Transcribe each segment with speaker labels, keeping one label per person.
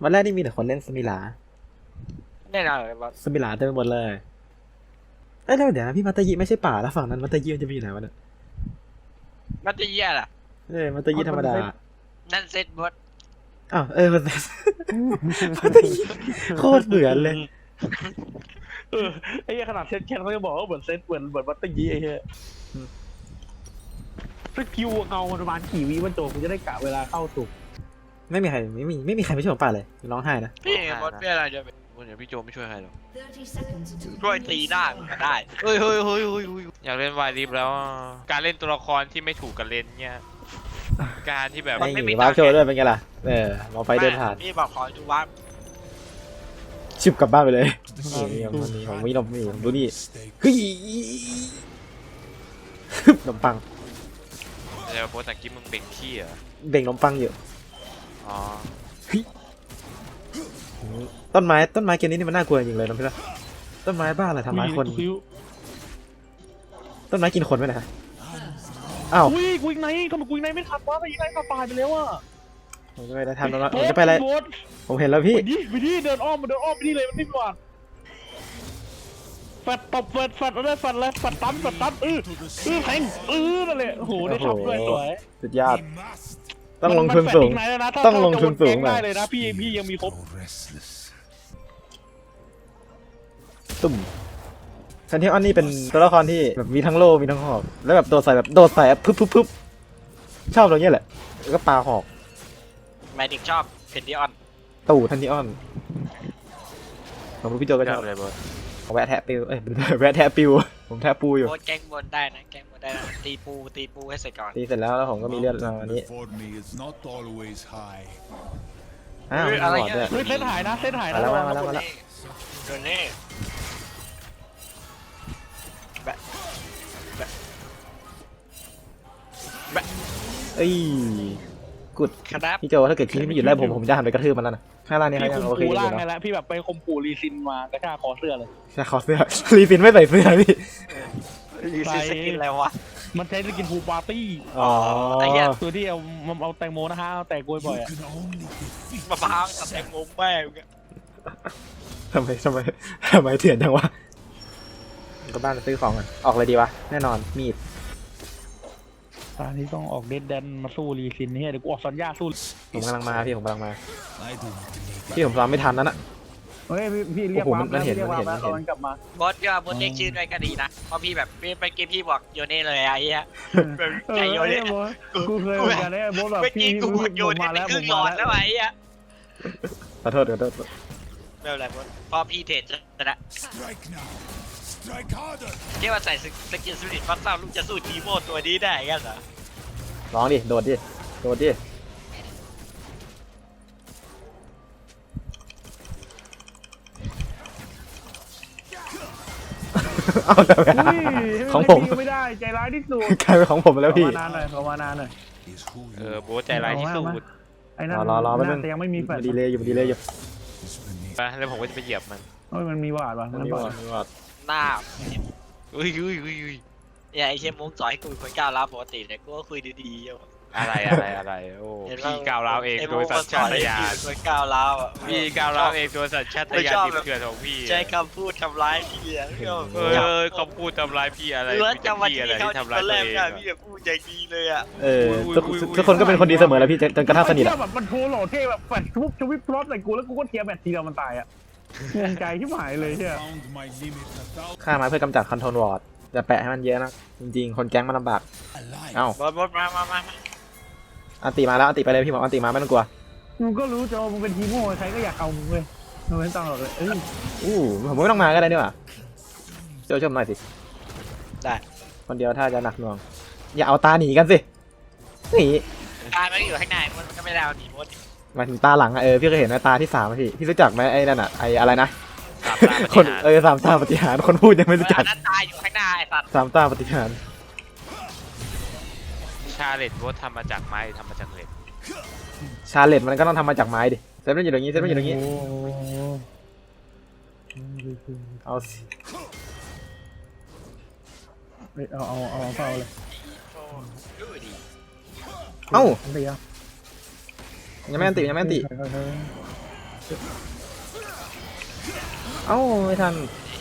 Speaker 1: วันแรกนี่มีแต่คนเล่นสมิลา
Speaker 2: แน่นอนเลยบอส
Speaker 1: สมิลาเต็มไปหมดเลยเอ้ยแล้วเดี๋ยวนะพี่มัตตยิไม่ใช่ป่าแล้วฝั่งนั้นมัตตยิมันจะไปอยู่ไหนวะเนี่ย
Speaker 2: มันจะเยี่ยล่ะ
Speaker 1: มัตตยิธรรมดา
Speaker 2: นั่นเซตบอส
Speaker 1: อ้าวมัตตยิโคตรเหมือนเลย
Speaker 3: ไอ้ขนาดเซตแคนเขาจะบอกว่าเหมือนเซตเหมือนบัตเตอร์ยีไอ้เหี้ยสกิลเงาประมาณกี่วิมันโจกูจะได้กะเวลาเข้าถูก
Speaker 1: ไม่มีใครไม่ช่วยผมป่าเลยร้องไห้นะ
Speaker 2: พี่บอสเพื่ออะไรจะเป็นคนอย่างพี่โจไม่ช่วยใครหรอกช่วยตีได้ก็ได้เฮ้ย
Speaker 4: อยากเล่นวายริฟแล้วการเล่นตัวละครที่ไม่ถูกกันเล่นเนี่ยการที่แบบ
Speaker 1: ไม่มีวาร์ปโชว์ด้วยเป็นไงล่ะมองไฟเดินผ่าน
Speaker 2: พี่บอกขอดูวาร์ป
Speaker 1: ชิบกลับบ้านไปเลยนี่วันนี้ผมวิ่งดูนี่เฮ้ยขนมปัง
Speaker 4: เดี๋ยวโพสต์ตะกี้มึงเบ่งขี้เหรอ
Speaker 1: เบ่งขนมปังอยู่
Speaker 4: อ๋อ
Speaker 1: ต้นไม้เกมนี้นี่มันน่ากลัวจริงเลยน้องพี่ละต้นไม้บ้าอะไรทำร้ายคนต้นไม้กินคนไหมนะอ้าว
Speaker 3: กูยิงไหนทำไมกูยิงไหนไม่ทันวะไปยิงไหนตายไปแล้วอ่ะ
Speaker 1: ผมจะไปได้ทันแล้วผมจะไปอะไรผมเห็นแล้วพี่
Speaker 3: ไปดิเดินอ้อมไปนี่เลยมันไม่หวานแฟดตบแฟดอะไรแฟดเลยแฟดตั้มแทงนั่นแหละโอ้โหได้ทำด้วยสวย
Speaker 1: สุดยอดต้องลงทุนสูงต้องลงทุนสูง
Speaker 3: ได้เลยนะพี่ยังมีครบ
Speaker 1: ตุ่มซันเทออนนี่เป็นตัวละครที่แบบมีทั้งโล่มีทั้งหอกแล้วแบบโดดใส่ปึ๊บชอบตรงนี้แหละแล้วก็ปาหอก
Speaker 2: หมายถึงชอบเพนดิออน
Speaker 1: ตู่ทันทีออนผมรู้พี่โจก็ชอบ
Speaker 4: เลยบอส
Speaker 1: แวะแทะปิวแวะแทะปิวผมแทะปูอยู่
Speaker 2: โคตรแกงบนได้นะตีปูให้เสร็จก่อน
Speaker 1: ตีเสร็จแล้วผมก็มีเลือดมาวันนี้
Speaker 2: อะไร
Speaker 1: เงี้ย
Speaker 3: เส้นหายนะ
Speaker 1: แล้วมา
Speaker 2: แล้วโดนนี่
Speaker 1: เอ้ยกุด
Speaker 2: ครับ
Speaker 1: พี่โจถ้าเกิดคิดไม่หยุดไล่ผมจะหันไปกระทืบมันแล้วนะข้างล่างนี่เขายังโอเคอยู่
Speaker 3: นะพี่ล่างพี่แบบไปคมปูรีซินมากระชากคอเสื้อเลย
Speaker 1: ใช่คอเสื้อรีซินไม่ใส่เสื้อพี่
Speaker 2: รีซินสกินอะไรวะ
Speaker 3: มันใช้สกินฟูปาร์ตี้
Speaker 2: ไอ้เหี้ย
Speaker 3: ตัวที่เอาแตงโมนะฮะเอาแตงกล้วยบ่อย
Speaker 2: มะพร้าวตัดแตงโมแม่
Speaker 1: ทำไมเถื่อนจังวะก็บ้านซื้อของกันออกเลยดีวะแน่นอนมีด
Speaker 3: ตอนนี้ต้องออกเดดแดนมาสู้รีซินนี่เดี๋ยวกูออกสัญญาสู้
Speaker 1: ผมกำลังมาพี่ผมซ้อมไม่ทันนั่นน่ะ
Speaker 3: เฮ้ยพี่เรียกว่า
Speaker 1: มันเห็น
Speaker 3: กลับมา
Speaker 2: บอสก็บอสเรียกชื่อด้วยก็ดีนะเพราะพี่แบบไปเกมพี่บอกโยเน่เลยไอ้เหี้ยใจโยเน่
Speaker 3: กูเคยเหมือนกันเนี่ยบอสแบบพี่
Speaker 2: กูโยเน่เป็นครึ่งหลอดแล้วไอ้เหี้ย
Speaker 1: ขอโทษไม่
Speaker 2: เป็นไรบอสพอพี่เทรดจะนะเรียกว่าใส่สกินสปิริตฟัสซ่าลูกจะสู้ทีโมตัวนี้ได้กันเหรอ
Speaker 1: ร้องดิโดดดิเอาแต่ของผม
Speaker 3: ไม่ได้ใจร้ายที่สุด
Speaker 1: กลายเป็นของผมแล้วพี่
Speaker 3: ขอมานานหน่อย
Speaker 4: โบ๊ทใจร้ายที่สุด
Speaker 1: ไอ้นั่นรอ
Speaker 3: แต่ยังไม่มีแฟลช
Speaker 1: ดีเลยอยู่
Speaker 4: ไปแล้วผมก็จะไปเหยียบมัน
Speaker 3: มันมีวาดวะ
Speaker 1: มันมีวาด
Speaker 2: หน้า
Speaker 4: อุ้ย
Speaker 2: อย่าไอเชมมุ้งสอนให้คุยคนก้าวร้าวปกติเนี่ยกูก็คุยดีๆอยู่
Speaker 4: อะไรโอ้พี่ก้าวร้าวเองโดยสัญชาตญาณ
Speaker 2: คนก้าวร้าว
Speaker 4: พี่ก้าวร้าวเองโดยสัญชาตญาณที่เกิดของพี่
Speaker 2: ใช้คำพูดทำร้ายพี่
Speaker 4: คำพูดทำร้ายพี่อะไร
Speaker 2: พี่อะไรที่ทำร้ายตัวเองพี่จะพูดอย่างดีเลยอ่ะ
Speaker 1: ทุกคนก็เป็นคนดีเสมอแล้วพี่จนกระทั่งสนิทอะ
Speaker 3: แบบมันโทรหล่อเท่แบบแฟดชุบชวิปพลอตใส่กูแล้วกูก็เทียบแบบทีเดียวมันตายอ่ะงงใจที่หมายเลยใช่ไหม
Speaker 1: ฆ่ามาเพื่อกำจัดคอนโทรลวอร์ดอย่าแปะให้มันเยอะนะจริงๆคนแก๊งมันลำบากเอ้า
Speaker 2: บอสมา
Speaker 1: อันตีมาแล้วอันตีไปเลยพี่หมออันตีมาไม่ต้องกลัว
Speaker 3: มึงก็รู้จะมึงเป็นทีโม่ใครก็อยากเอามึงเว้ยมึงไม่ต้องหรอกเลย
Speaker 1: ผมไม่ต้องมาก็ได้นี่หว่าเจ้าชมหน่อยสิ
Speaker 2: ได้
Speaker 1: คนเดียวถ้าจะหนักหน่วงอย่าเอาตาหนีกันสิหนี
Speaker 2: ตาไม่อยู่ข้างในมันก็ไม่ได้เอาหนีหมด
Speaker 1: มาถึงตาหลังพี่เคยเห็นตาที่3พี่รู้จักไหมไอ้นั่นไอ้อะไรนะคน3 ตาปฏิหารคนพูดยังไม่รู้จัก
Speaker 2: ตาอยู่ข้างหน้าไอ้สัตว์
Speaker 1: 3 ตาปฏิหาร
Speaker 4: ชาเลตโบ๊ททำมาจากไม้ทำมาจากเหล็ก
Speaker 1: ชาเลตมันก็ต้องทำมาจากไม้ดิเซฟมันอยู่ตรงนี้เอาสิ
Speaker 3: เอาเฝ้าเลย
Speaker 1: เอ้ายังไม่อันติเอ้าไม่ทัน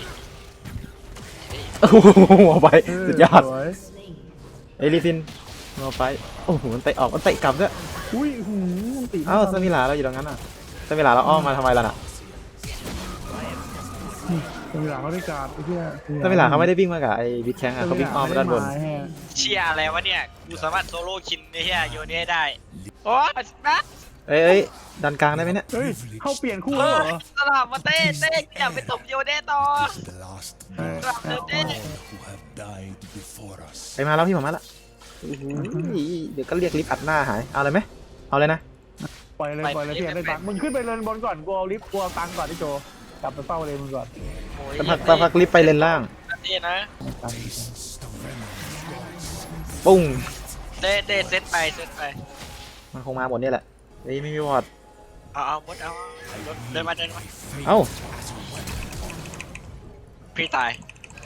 Speaker 1: โอ้โหหัวไปสุดยอด
Speaker 3: สวย
Speaker 1: เอลิซินหัวไปโอ้โหมันเตะออกมันเตะกลับด้วย
Speaker 3: อุ้ยหูตี
Speaker 1: เอ้าสมิลาเราอยู่ตรงนั้นอ่ะสมิลาเราอ้อมมาทำไมล่ะน่ะ
Speaker 3: สมิลาเขาได้การไอ้เหี้ย
Speaker 1: สมิลาเขาไม่ได้วิ่งมากับไอ้บิ๊กแข้งอ่ะเขาวิ่งอ้อมมาด้านบน
Speaker 2: เชียอะไรวะเนี่ยกูสามารถโซโล่คินไอ้เหี้ยโยนให้ได้โอ้ยนะ
Speaker 1: เอ้ยดันกลางได้ไหมเนี่ย
Speaker 3: เฮ้ยเข้าเปลี่ยนคู่
Speaker 2: เอ
Speaker 3: แล้ว
Speaker 2: อ
Speaker 3: เหรอ
Speaker 2: สลับมาเต้อยากไปตบโยนให้ต่อ
Speaker 5: The last
Speaker 2: สลับเต้
Speaker 5: who have died before us.
Speaker 1: ไปมาแล้วพี่ผมมาละโอ้โหเดี๋ยวก็เรียกลิฟต์อัดหน้าหายเอาเลยไหมเอาเลยนะ
Speaker 3: ปล่อยเลยพี่อยากได้ตังค์มึงขึ้นไปเลนบนก่อนกูเอาลิฟต์กูเอาตังค์ก่อนที่โจกลับไปเฝ้าเลยมึงก่อน
Speaker 2: โอ้ย
Speaker 1: สักพักลิฟต์ไปเลนล่าง
Speaker 2: เต้นะ
Speaker 5: Tastes the venom of gods.
Speaker 1: ปุ้ง
Speaker 2: เต้เซตไป
Speaker 1: มันคงมาหมดเนี่ยแหละเฮ้ยไม่มีวอร์ด
Speaker 2: เอามดเอาเดินมา
Speaker 1: เอ้า
Speaker 2: พี่ตาย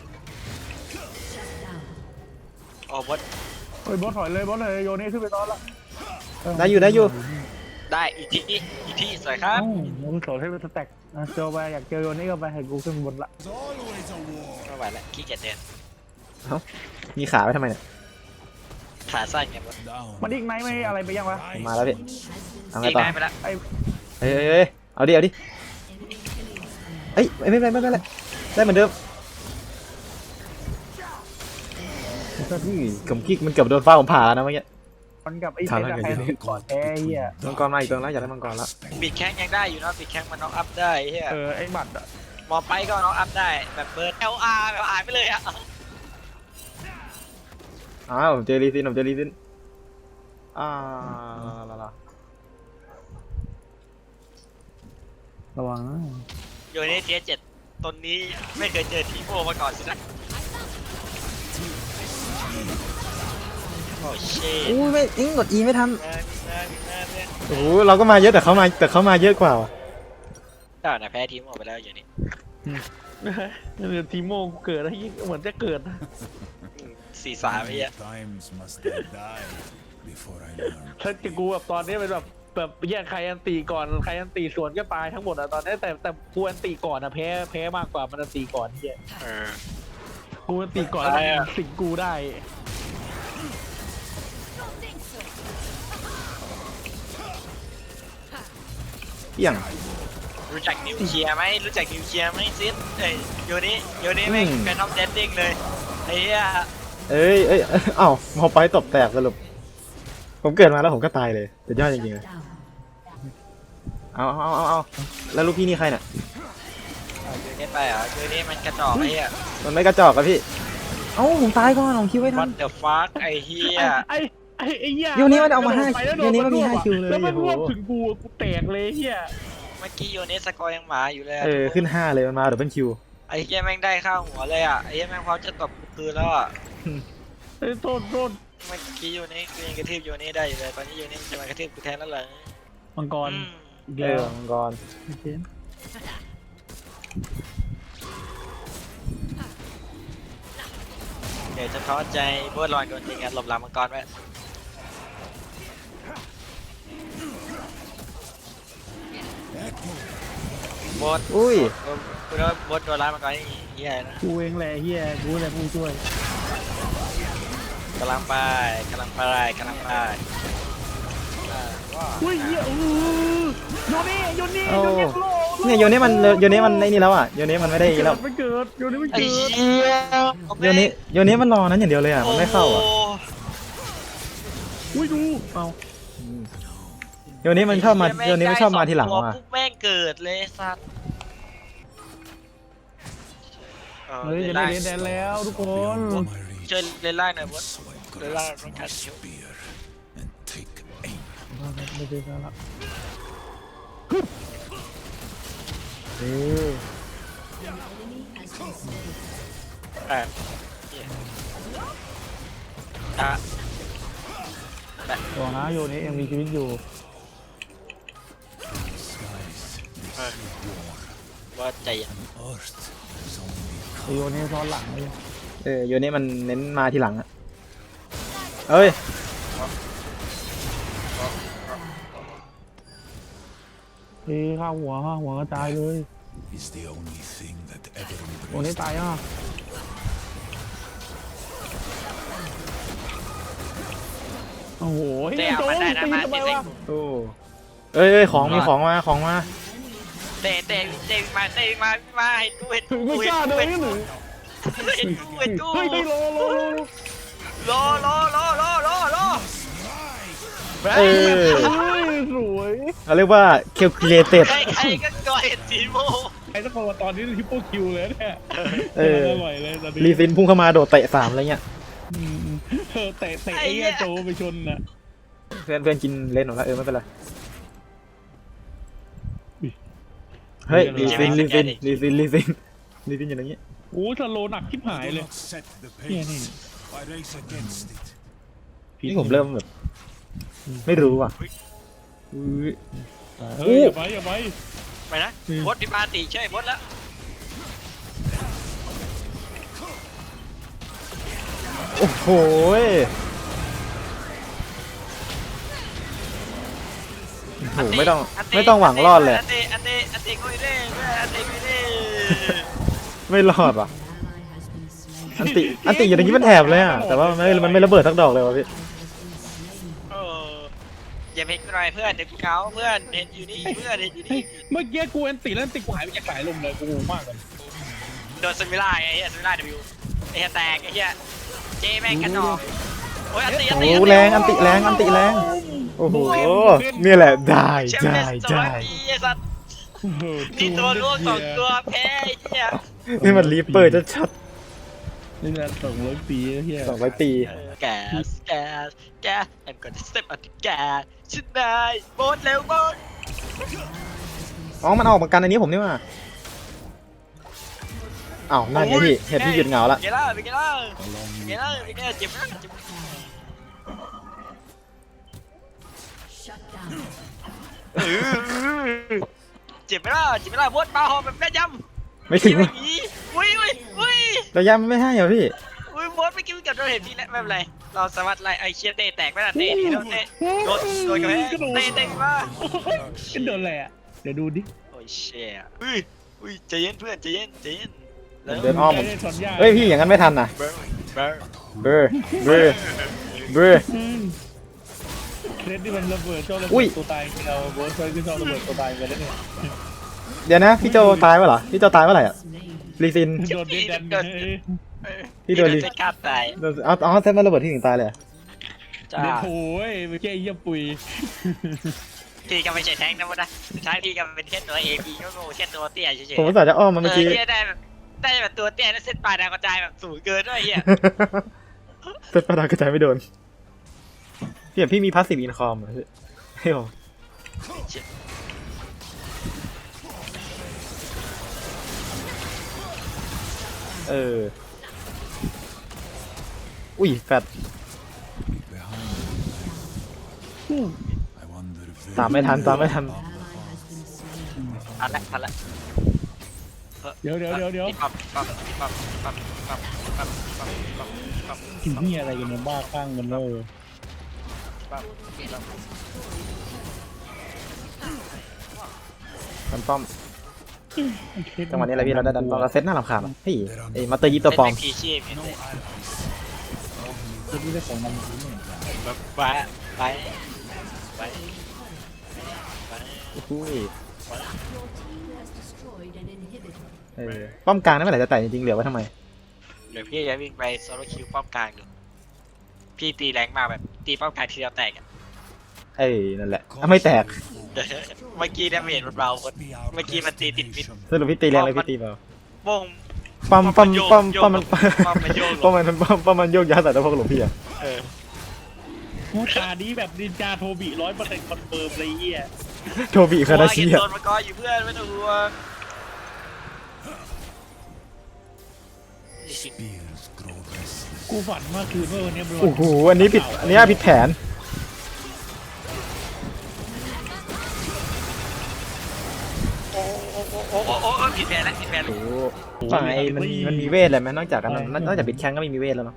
Speaker 2: โอ้มด
Speaker 3: เฮ้ยบอสถอยเลยโยนี่ขึ้นไปตอนละ
Speaker 1: ได้อยู่
Speaker 2: ได้อีกทีสวยครับ
Speaker 3: มึงโสดให้เป็นสแต็กโจไปอยากเจอโยนี่ก็ไปให้กูขึ้นบนละ
Speaker 5: There's always a war.
Speaker 2: ไม่ไหวแล้วขี้เกียจเดิน
Speaker 1: มีขาไว้ทำไมเนี่ย
Speaker 2: ขาสั้นไงมด
Speaker 5: Down.
Speaker 3: มันอีกไหนไม่อะไรไปยังวะ
Speaker 1: ผมมาแล้วพี่เอาไง
Speaker 2: อีก
Speaker 1: ต่อ
Speaker 2: ได้ไปแล้ว
Speaker 3: ไอ้
Speaker 1: เฮ้ยเอาดิเอ้ยไม่เป็นไรได้เหมือนเดิมผมกิ๊กมันเกือบโดนฟ้าผมผ่าแล้วนะเมื่อกี้
Speaker 3: มันกับไอ้เซนอะใครก่อนแพ้เหี้ย
Speaker 1: มังกรมาอีกตัวแล้วอยากได้มังกรแล้ว
Speaker 2: บิดแข้งยังได้อยู่นะบิดแข้งมันน็อกอัพได้เฮีย
Speaker 3: ไอ้หมัดอะ
Speaker 2: มอไปก็น็อกอัพได้แบบเบิร์ด LR แบบหายไปเลยอะ
Speaker 1: อ้าวผมเจอรีซินอ่าลา
Speaker 3: ระวังนะ
Speaker 2: โยนในเทียเจ็ดตนนี้ไม่เคยเจอทีโมมาก่อนสินะโอ้เช่
Speaker 1: อู้ไม่กด E ไม่ทันโอ้โหเราก็มาเยอะแต่เขามาเยอะกว่าว่ะ
Speaker 2: ได้นะแพ้ทีโมไปแล้วอย่างนี้
Speaker 3: ทีโมเกิดอะไรเหมือนจะเกิด
Speaker 2: 4-3ไอ้เหี้ย
Speaker 5: Times must I die before I learn.
Speaker 3: ถ้าจะกูแบบตอนนี้เป็นแบบแยกใครอันตีก่อนใครอันตีสวนก็ตายทั้งหมดอะตอนนี้แต่กูอันตีก่อนอะแพ้มากกว่ามันอันตีก่อนเหี้ย
Speaker 2: เออ
Speaker 3: กูอันตีก่อนแล้วมันสิงกูได้
Speaker 1: เปี่ยง
Speaker 2: รู้จักนิวเคลียร์ไหมซิสเอ้ยโยนี่แม่งเป็นท็อปเดนดิ้งเลยไอ้เหี้ย
Speaker 1: เอ้ยเอ้าพอไปตบแตกสรุปผมเกิดมาแล้วผมก็ตายเลยสุดยอดจริงๆเลยเอาแล้วลูกพี่นี่ใครเนี่ย
Speaker 2: โยนี่ไปเหรอโยนี่มันกระจอกไอ้เหี้ย
Speaker 1: มันไม่กระจอกอะพี่เอ้าผมตายก่อนผมคิดไว้ทั
Speaker 2: What
Speaker 1: น
Speaker 2: the fuck ไอ้เหี้ย
Speaker 3: ไอ้เหี้ย
Speaker 1: โยนี่มันเอามาให้โยนี่มันมี5 คิวเลย
Speaker 3: แล้วมัน
Speaker 1: โอ้
Speaker 3: ร
Speaker 1: โห
Speaker 3: วบถึงกูแตกเลยเหี้ย
Speaker 2: เมื่อกี้โยนี่สกอร์ยังหมาอยู่เลยอะ
Speaker 1: ขึ้น5เลยมันมาเดี๋ยวเป็นคิว
Speaker 2: ไอ้เหี้ยแม่งได้ข้าวหัวเลยอ่ะไอ้เหี้ยแม่งพร้อมจะตบกูคืนแล้วอ่ะ
Speaker 3: โทษ
Speaker 2: เมื่อกี้โยนี่กูยังกระทืบโยนี่ได้อยู่เลยตอนนี้โยนี่จะมากระทืบกูแทนแล้วเหรอ
Speaker 3: มังกร
Speaker 2: อืม
Speaker 3: อีกแล้ว
Speaker 1: มังกร
Speaker 2: เดี๋ยวจะท้อใจบัวลอยโดนจริงอ่ะหลบหลังมังกรไว้บด
Speaker 1: อุ้ย
Speaker 2: กูนึกว่าบดโดนร้ายมังกรนี่เหี้ยนะ
Speaker 3: กูเองแหละเหี้ยกูแหละผู้ช่วย
Speaker 2: กำลังไป
Speaker 3: อุ้ยเหี้ยโยนี่
Speaker 1: โอ้
Speaker 3: โยนี่โล
Speaker 1: เนี่ยโยนี่มันไอ้นี่แล้วอ่ะโยนี่มันไม่ได้แล้ว
Speaker 3: ไม่เกิดโยนี่ไม่
Speaker 2: ไอ้
Speaker 3: เกิด
Speaker 2: เหี้ย
Speaker 1: โยนี่มันรอนั้นอย่างเดียวเลยอ่ะมันไม่เข้าอ่ะ
Speaker 3: อุ้ยดูเอา
Speaker 1: โยนี่มันชอบมาโยนี่ไม่ชอบมาทีหลัง
Speaker 2: ตัว
Speaker 1: ว่ะ
Speaker 2: ปุ๊บแม่งเกิดเลยสัตว์
Speaker 3: เฮ้ยจะได้เรียนแดนแล้วทุกคน
Speaker 5: Beyond my reach.
Speaker 2: ช่วยเล่นล่างหน่อยบด
Speaker 5: So I
Speaker 2: เล่นล่าง
Speaker 5: grasp
Speaker 2: ต้อง
Speaker 5: my
Speaker 2: การชิว
Speaker 5: spear and take aim.
Speaker 3: ไม่ได้แล้ว
Speaker 2: อ่ะอ่ะ
Speaker 3: บอกนะโยนี่ยังมีชีวิตอยู่
Speaker 5: Skies
Speaker 2: ว่าใจเย็น
Speaker 5: earth is only
Speaker 3: ไอโยนี่ซ้อนหลังเลย
Speaker 1: โยนี่มันเน้นมาทีหลังอ่ะเอ้ย
Speaker 3: ข้าหัวกระจายเลย
Speaker 5: is the only thing that ever
Speaker 3: โอ้นี่
Speaker 5: embraced
Speaker 3: ตายอ่ะโอ้โห
Speaker 2: เตะมันได้นะมา
Speaker 3: ทำไม
Speaker 2: เตะ
Speaker 3: วะ
Speaker 1: โอ้เอ้ยของมีของมาของมา
Speaker 2: เตะมาให้กูเห็น
Speaker 3: ไม่กล้าเดินหรือ
Speaker 2: เห็นกู
Speaker 3: เฮ้ยรอ
Speaker 1: เออ
Speaker 3: สวย
Speaker 1: เขาเรียกว่า calculated
Speaker 2: ใครก็ก่อเห็นสีโม
Speaker 3: ไอ้ตะโกนตอนนี้ทริปเปิลคิวเลยเนี่ย
Speaker 1: เออ
Speaker 3: อร่อยเลยตอนนี้
Speaker 1: รีซินพุ่งเข้ามาโดดเตะ3อะไรเงี้ย
Speaker 3: เตะไอ้เหี้ยโจไปชนน่ะ
Speaker 1: เพื่อนกินเล่นหมดแล้วไม่เป็นไรเฮ้ยรีซินอยู่อย่างนี้
Speaker 3: โอ้สโลหนักชิบหาย
Speaker 5: Do
Speaker 3: เลย
Speaker 5: not set the
Speaker 3: Yeah,
Speaker 5: pace. I race against it.
Speaker 1: นี่ผมเริ่มแบบไม่รู้อ่ะอุ๊ย
Speaker 3: เฮ้ยอย่าไป
Speaker 2: ไปนะบดดิมาตีใช่บดแล้ว
Speaker 1: โอ้โหโอ้โหไม่ต้องหวังรอดเลย
Speaker 2: อันเตกุยเร่อันเตกุยเร่
Speaker 1: ไม่รอดว่ะอันติอยู่อย่างนี้มันแถบเลยอ่ะแต่ว่ามันไม่ระเบิดสักดอกเลยวะพี่
Speaker 2: อย่าเพกหน่อยเพื่อนเด็กเขาเพื่อนเห็นอยู่นี่เพื่อนเห็นอยู่นี่
Speaker 3: เมื่อกี้กูแอนติแล้วแอนติกูหายไปจากสายลมเลยกูงงมากเลย
Speaker 2: โดนสมิล่าไอ้เหี้ยสมิล่าวิวไอ้เหี้ยแตกไอ้เหี้ยเจแม่งกระจอกโอ้ยอันติ
Speaker 1: โอ้แรงอันติแรงโอ้โหนี่แหละได้
Speaker 2: แชมเปี้ยน200 ปีไอ้สัตว์นี่ตัวร่วง2 ตัวแพ้ไอ้เหี้ย
Speaker 1: นี่มันรีเปิดจะชัด
Speaker 3: นี่แหละ200 ปีเฮีย
Speaker 1: 200 ปี
Speaker 2: แกI'm gonna step on the gas ฉันได้โบนเร็วโบน
Speaker 1: อ๋อมันออกมากันอันนี้ผมนี่ว่าอ้าวนั่นไงพี่เห็นพี่หยุดเหงาละ
Speaker 2: เกล้าเจ็บมากเจ็บเจ็บไม่ล่ะบดปลาหอมแบบแม่ยำ
Speaker 1: ไม่ถึง
Speaker 2: อุ้ย
Speaker 1: ระยะมันไม่ให้เหรอพี่
Speaker 2: บดไม่กินกับเราเห็นพี่แล้วไม่เป็นไรเราสามารถไล่ไอเชียเตะแตกไม่ล่ะเตะที่เราเตะโดนกันแม่เตะมา
Speaker 3: เป็นโดนอะไรอ่ะเดี๋ยวดูดิ
Speaker 2: โอ้ยเชี่ยอุ้ยใจเย็นเพื่อนใจเย็น
Speaker 1: เดินอ้อมผม
Speaker 3: ได้ถอนหญ้า
Speaker 1: เฮ้ยพี่อย่างนั้นไม่ทันนะเบอร์
Speaker 3: เคสที่มันระเบิดเจ้าระ
Speaker 1: อุ้
Speaker 3: เบิ
Speaker 1: ย
Speaker 3: ดตัวตายเราเวิร์ดเคยขึ้นเจ้าระเบิดตัวตายไปแล้วเนี่ย
Speaker 1: เดี๋ยวนะพี่โจตายเมื่อไหร่พี่โจตายเมื่อไหร่อ่ะรีซิน
Speaker 3: โดนเด็ดดัน
Speaker 1: พี่โดนรี
Speaker 2: จะฆ่าตาย
Speaker 1: เอาเซตมาระเบิดที่ถึงตายเลย
Speaker 2: จ้า
Speaker 3: เด็ดโอ้ยไม่ใช่เยี่ยปุย
Speaker 2: พี่ก็ไม่ใช่แท้งนะวะนะท้ายพี่ก็เป็นแค่ตัวเอพีก็โง่แค่ตัวเตี้ยเฉย
Speaker 1: ผมอุตส่าห์จะอ้อมมาเมื่อกี้
Speaker 2: ได้แบบตัวเตี้ยแล้วเส้นปลายดาวกระจายแบบสูงเกินด้วยเฮีย
Speaker 1: เซตประดากระจายไม่โดนพี่มีพาสซีฟอินคอมเหรอพี่เฮ้ยอุ้ยแฟด
Speaker 5: Behind I wonder if there
Speaker 1: ตามไม่ทัน
Speaker 2: ทันละ
Speaker 3: เดี๋ยวกินนี่อะไรกันเนี่ยบ้าข้างกันเลย
Speaker 1: ดันป้อมจังหวะนี้อะไรพี่เราได้ดันป้อมเราเซตหน้ารำคาญอ่ะเฮ้ยไอ้มาเตอร์ยิปตัวปลอม
Speaker 2: พีชีพ
Speaker 3: คือที่ได้ของมันนี่
Speaker 2: ไป
Speaker 1: อุ้ยป้อมกลางนั่นเมื่อไหร่จะแตกจริงๆเหลือไว้ทำไม
Speaker 2: เดี๋ยวพี่จะวิ่งไปโซโลคิวป้อมกลางอยู่พี่ตีแรงมากแบบตีป้อมกลางทีเดียวแตก
Speaker 1: นั่นแหละไม่แตก
Speaker 2: เมื่อกี้ดาเมจมันเบาคนเมื่อกี้มันตีติดมิด
Speaker 1: สรุปพี่ตีแรงเลยพี่ตีเปล่า
Speaker 2: โป้ง
Speaker 1: ป้อมมัน
Speaker 2: ป้อม
Speaker 1: มันโยกย้ายแต่พวกหลวงพี่อะ
Speaker 3: ตาดีแบบนินจาโทบิ100%คอนเฟิร์มเลยเหี้ย
Speaker 1: โทบิคาราชิ
Speaker 2: โด
Speaker 1: อะ
Speaker 2: นมากออยู่เพื่อนไม่ต้องห่วง
Speaker 5: spears grow restless.
Speaker 3: กูฝันเมื่อคืนว่าวันนี้มัน
Speaker 1: โอ้โหอันนี้ผิดแผน
Speaker 2: โอ้ผิดแผนแล้ว
Speaker 1: โอ้ฝั่งไอ้มันมีเวทอะไรไหมนอกจากปิดแข้งก็ไม่มีเวทแล้วเนาะ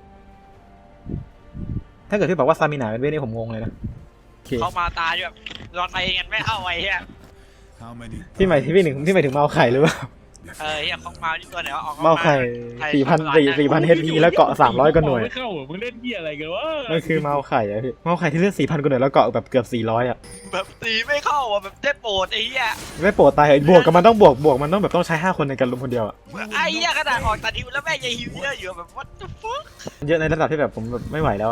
Speaker 1: ถ้าเกิดพี่บอกว่าซามินาเป็นเวทนี่ผมงงเลยนะโอเค
Speaker 2: เขามาตายแบบรอไทยกันไม่เข้าไว้เฮีย
Speaker 5: How many?
Speaker 1: พี่หมายที่พี่หนึ่งที่หมายถึงเมาไข่หรือเปล่า
Speaker 2: เฮียของมาที่ตัวไหนวะออก
Speaker 1: เมาไข่4,000 HP แล้วเกาะ300กว่าหน่วย
Speaker 3: ไม่เข้าเหรอมึงเล่นเหี้ยอะไรกันวะ
Speaker 1: มันคือเมาไข่อะพี่เมาไข่ที่เลือด4,000กว่าหน่วยแล้วเกาะแบบเกือบ400อะ
Speaker 2: แบบตีไม่เข้าอ่ะแบบเจ็บปวดไอ้เหี้ย
Speaker 1: ไม่โปรดตายเหรอบวกกับมันต้องบวกมันต้องแบบต้องใช้5คนในการลุมคนเดียวอะ
Speaker 2: ไอ้เหี้ยขนาดออกตัดฮิวแล้วแม่งยังฮิวเยอะอยู่แบบ what the fuck
Speaker 1: เยอะในระดับที่แบบผมแบบไม่ไหวแล้วอะ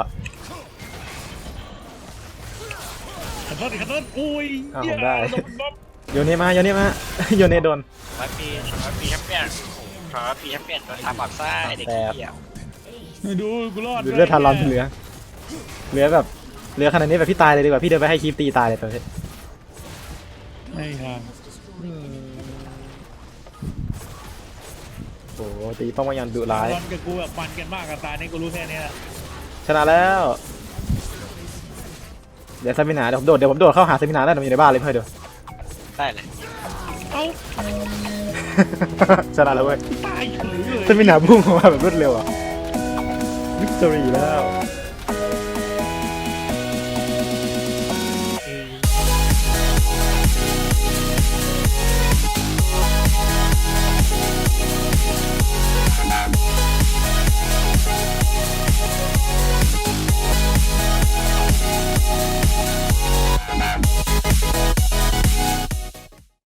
Speaker 3: ขันต้นขันต้นอุ้ย
Speaker 1: อ้าว
Speaker 3: เหี้ย
Speaker 1: ผมได้
Speaker 3: โดนบ๊อบ
Speaker 1: โยนเนมาโยนเนมา โยนเนโดน
Speaker 2: 100 ปีแชมเปี้ยน100 ปีแชมเปี้ยนโดนทำแบบซ่าไอ้เด็กเหี้ย
Speaker 3: ดูกูรอด
Speaker 1: ดูเลือดทารอนที่เหลือแบบเหลือขนาดนี้แบบพี่ตายเลยดีกว่าพี่เดินไปให้คีฟตีตายเลยตอนนี้
Speaker 3: ไม่ทาง
Speaker 1: โอ้โหตีป้องกันยันดุร้าย
Speaker 3: รอนกับกูแบบมันกันมากกับตานี่กูรู้แค่นี้แหละ
Speaker 1: ชนะแล้ว เดี๋ยวเซมินาเดี๋ยวผมโดดเข้าหาเซมินาได้เดี๋ยวมันอยู่ในบ้านเลยเพื่อนเดี๋ยว
Speaker 2: ได้เลย
Speaker 3: เอ้า
Speaker 1: ชนะแล้วเว้ย
Speaker 3: ตายเฉยเลย
Speaker 1: เซมินาพุ่งออกมาแบบรวดเร็วอ่ะวิกตอรี่แล้ว